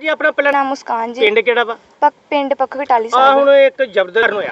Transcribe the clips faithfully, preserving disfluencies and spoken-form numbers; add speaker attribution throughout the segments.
Speaker 1: ਕੀ ਆਪਣਾ ਪਹਿਲਾਂ
Speaker 2: ਨਾਮ ਮੁਸਕਾਨ ਜੀ।
Speaker 1: ਪਿੰਡ ਕਿਹੜਾ ਵਾ?
Speaker 2: ਪੱਕ ਪਿੰਡ ਪੱਖ ਕਟਾਲੀ
Speaker 1: ਆ
Speaker 2: ਸਾਹਿਬ।
Speaker 1: ਹੁਣ ਇੱਕ ਜ਼ਬਰਦਸਤ ਹੋਇਆ।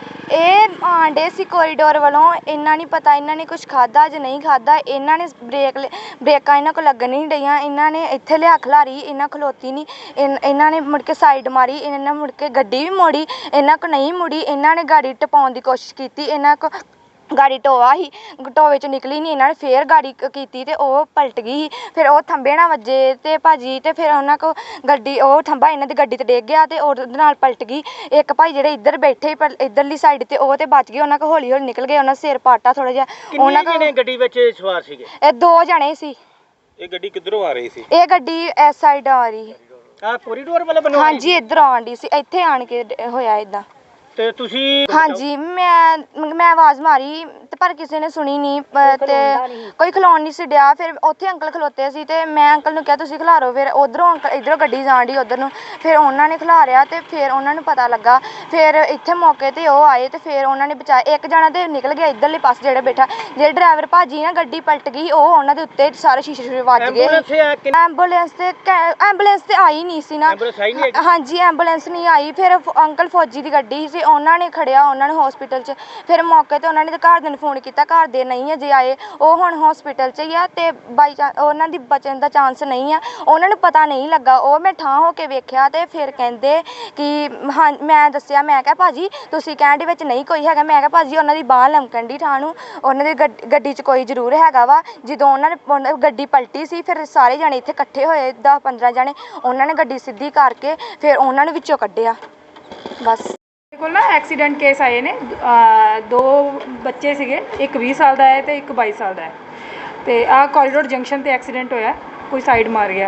Speaker 2: ਇਹ ਆਂਡੇ ਸੀ ਕੋਰੀਡੋਰ ਵੱਲੋਂ, ਇਹਨਾਂ ਨਹੀਂ ਪਤਾ ਇਹਨਾਂ ਨੇ ਕੁਝ ਖਾਦਾ ਜਾਂ ਨਹੀਂ ਖਾਦਾ। ਇਹਨਾਂ ਨੇ ਬ੍ਰੇਕ ਬ੍ਰੇਕਾਂ ਇਹਨਾਂ ਕੋਲ ਲੱਗਣ ਨਹੀਂ ਡਈਆਂ, ਇਹਨਾਂ ਨੇ ਇੱਥੇ ਲਿਆ ਖਲਾਰੀ, ਇਹਨਾਂ ਖਲੋਤੀ ਨਹੀਂ। ਇਹਨਾਂ ਨੇ ਮੁੜ ਕੇ ਸਾਈਡ ਮਾਰੀ, ਇਹਨਾਂ ਨੇ ਮੁੜ ਕੇ ਗੱਡੀ ਵੀ ਮੋੜੀ, ਇਹਨਾਂ ਕੋ ਨਹੀਂ ਮੁੜੀ। ਇਹਨਾਂ ਨੇ ਗਾੜੀ ਟਪਾਉਣ ਦੀ ਕੋਸ਼ਿਸ਼ ਕੀਤੀ, ਇਹਨਾਂ ਕੋ ਗਾੜੀ ਟੋਆ ਸੀ, ਟੋਏ 'ਚ ਨਿਕਲੀ ਨਹੀਂ। ਇਹਨਾਂ ਨੇ ਫੇਰ ਗਾੜੀ ਕੀਤੀ ਤੇ ਉਹ ਪਲਟ ਗਈ। ਫਿਰ ਉਹ ਥੰਬੇ ਨਾਲ ਵੱਜੇ ਤੇ ਭਾਜੀ, ਤੇ ਫਿਰ ਉਹਨਾਂ ਕੋ ਗੱਡੀ ਉਹ ਥੰਬਾ ਇਹਨਾਂ ਦੀ ਗੱਡੀ ਤੇ ਡਿੱਗ ਗਿਆ ਤੇ ਉਹਦੇ ਨਾਲ ਪਲਟ ਗਈ। ਇੱਕ ਭਾਈ ਜਿਹੜੇ ਇੱਧਰ ਬੈਠੇ ਪਰ ਇੱਧਰਲੀ ਸਾਈਡ ਤੇ ਉਹ ਤੇ ਬਚ ਗਏ, ਉਹਨਾਂ ਕੋ ਹੌਲੀ ਹੌਲੀ ਨਿਕਲ ਗਏ, ਉਹਨਾਂ ਸਿਰ ਪਾਟਾ ਥੋੜਾ ਜਿਹਾ।
Speaker 1: ਉਹਨਾਂ ਕੋ ਗੱਡੀ ਵਿੱਚ ਸਵਾਰ ਸੀਗੇ?
Speaker 2: ਇਹ ਦੋ ਜਣੇ ਸੀ।
Speaker 3: ਇਹ ਗੱਡੀ ਕਿੱਧਰੋਂ ਆ ਰਹੀ ਸੀ?
Speaker 2: ਇਹ ਗੱਡੀ ਇਸ ਸਾਈਡ ਆ ਰਹੀ।
Speaker 1: ਆ ਕੋਰੀਡੋਰ ਵਾਲਾ ਬਣਵਾ?
Speaker 2: ਹਾਂਜੀ, ਇੱਧਰ ਆਉਣ ਡਈ ਸੀ, ਇੱਥੇ ਆਣ ਕੇ ਹੋਇਆ ਇਦਾਂ।
Speaker 1: ਤੇ ਤੁਸੀਂ?
Speaker 2: ਹਾਂਜੀ, ਮੈਂ ਮੈਂ ਆਵਾਜ਼ ਮਾਰੀ ਤੇ ਪਰ ਕਿਸੇ ਨੇ ਸੁਣੀ ਨਹੀਂ ਤੇ ਕੋਈ ਖਲੋਣ ਨਹੀਂ ਸੀ ਡਿਆ। ਫਿਰ ਉੱਥੇ ਅੰਕਲ ਖਲੋਤੇ ਸੀ ਤੇ ਮੈਂ ਅੰਕਲ ਨੂੰ ਕਿਹਾ ਤੁਸੀਂ ਖਿਲਾਰੋ। ਫਿਰ ਉਧਰੋਂ ਅੰਕਲ ਇੱਧਰੋਂ ਗੱਡੀ ਜਾਣ ਡਈ ਉਧਰ ਨੂੰ, ਫਿਰ ਉਹਨਾਂ ਨੇ ਖਿਲਾਰਿਆ ਤੇ ਫਿਰ ਉਹਨਾਂ ਨੂੰ ਪਤਾ ਲੱਗਾ। ਫਿਰ ਇੱਥੇ ਮੌਕੇ ਤੇ ਉਹ ਆਏ ਤੇ ਫਿਰ ਉਹਨਾਂ ਨੇ ਬਚਾਇਆ। ਇੱਕ ਜਣਾ ਤੇ ਨਿਕਲ ਗਿਆ ਇੱਧਰਲੇ ਪਾਸੇ ਜਿਹੜਾ ਬੈਠਾ, ਜਿਹੜੇ ਡਰਾਈਵਰ ਭਾਜੀ ਨਾ ਗੱਡੀ ਪਲਟ ਗਈ, ਉਹ ਉਹਨਾਂ ਦੇ ਉੱਤੇ ਸਾਰੇ ਸ਼ੀਸ਼ੇ ਸ਼ੀਸ਼ੇ ਵੱਜ ਗਏ। ਐਂਬੂਲੈਂਸ ਤੇ ਐਂਬੂਲੈਂਸ ਤੇ ਆਈ ਨਹੀਂ ਸੀ ਨਾ। ਹਾਂਜੀ, ਐਂਬੂਲੈਂਸ ਨਹੀਂ ਆਈ। ਫਿਰ ਅੰਕਲ ਫੌਜੀ ਦੀ ਗੱਡੀ ਸੀ, ਉਹਨਾਂ ਨੇ ਖੜਿਆ ਉਹਨਾਂ ਨੂੰ ਹਸਪੀਟਲ 'ਚ। ਫਿਰ ਮੌਕੇ ਤੇ ਉਹਨਾਂ ਨੇ ਘਰਦਿਆਂ ਨੂੰ ਫੋਨ ਕੀਤਾ, ਘਰ ਦੇ ਨਹੀਂ ਅਜੇ ਆਏ, ਉਹ ਹੁਣ ਹਸਪੀਟਲ 'ਚ ਹੀ ਆ ਤੇ ਬਾਈ ਚਾਂਸ ਉਹਨਾਂ ਦੀ ਬਚਣ ਦਾ ਚਾਂਸ ਨਹੀਂ ਆ। ਉਹਨਾਂ ਨੂੰ ਪਤਾ ਨਹੀਂ ਲੱਗਾ। ਉਹ ਮੈਂ ਠਾਂ ਹੋ ਕੇ ਵੇਖਿਆ ਤੇ ਫਿਰ ਕਹਿੰਦੇ ਕਿ ਹਾਂ, ਮੈਂ ਦੱਸਿਆ, ਮੈਂ ਕਿਹਾ ਭਾਜੀ ਤੁਸੀਂ ਕਹਿਣ ਦੇ ਵਿੱਚ ਨਹੀਂ ਕੋਈ ਹੈਗਾ। ਮੈਂ ਕਿਹਾ ਭਾਜੀ ਉਹਨਾਂ ਦੀ ਬਾਂਹ ਲਮਕਣ ਦੀ ਠਾਂ ਨੂੰ, ਉਹਨਾਂ ਦੀ ਗੱਡੀ 'ਚ ਕੋਈ ਜ਼ਰੂਰ ਹੈਗਾ ਵਾ। ਜਦੋਂ ਉਹਨਾਂ ਨੇ ਗੱਡੀ ਪਲਟੀ ਸੀ ਫਿਰ ਸਾਰੇ ਜਾਣੇ ਇੱਥੇ ਇਕੱਠੇ ਹੋਏ, ਦਸ ਪੰਦਰਾਂ ਜਣੇ, ਉਹਨਾਂ ਨੇ ਗੱਡੀ ਸਿੱਧੀ ਕਰਕੇ ਫਿਰ ਉਹਨਾਂ ਨੂੰ ਵਿੱਚੋਂ ਕੱਢਿਆ। ਬਸ
Speaker 4: ਕੋਲ ਨਾ ਐਕਸੀਡੈਂਟ ਕੇਸ ਆਏ ਨੇ, ਦੋ ਬੱਚੇ ਸੀਗੇ, ਇੱਕ ਵੀਹ ਸਾਲ ਦਾ ਹੈ ਤੇ ਇੱਕ ਬਾਈ ਸਾਲ ਦਾ ਹੈ। ਤੇ ਆਹ ਕੋਰੀਡੋਰ ਜੰਕਸ਼ਨ ਤੇ ਐਕਸੀਡੈਂਟ ਹੋਇਆ, ਕੋਈ ਸਾਈਡ ਮਾਰ ਗਿਆ।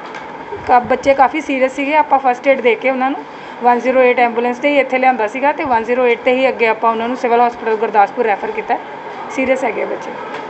Speaker 4: ਕਾ ਬੱਚੇ ਕਾਫੀ ਸੀਰੀਅਸ ਸੀਗੇ। ਆਪਾਂ ਫਸਟ ਏਡ ਦੇ ਕੇ ਉਹਨਾਂ ਨੂੰ ਵਨ ਜ਼ੀਰੋ ਏਟ ਐਂਬੂਲੈਂਸ ਤੇ ਹੀ ਇੱਥੇ ਲਿਆਂਦਾ ਸੀਗਾ ਤੇ ਵਨ ਜ਼ੀਰੋ ਏਟ ਤੇ ਹੀ ਅੱਗੇ ਆਪਾਂ ਉਹਨਾਂ ਨੂੰ ਸਿਵਲ ਹਸਪੀਟਲ ਗੁਰਦਾਸਪੁਰ ਰੈਫਰ ਕੀਤਾ। ਸੀਰੀਅਸ ਹੈਗੇ ਬੱਚੇ।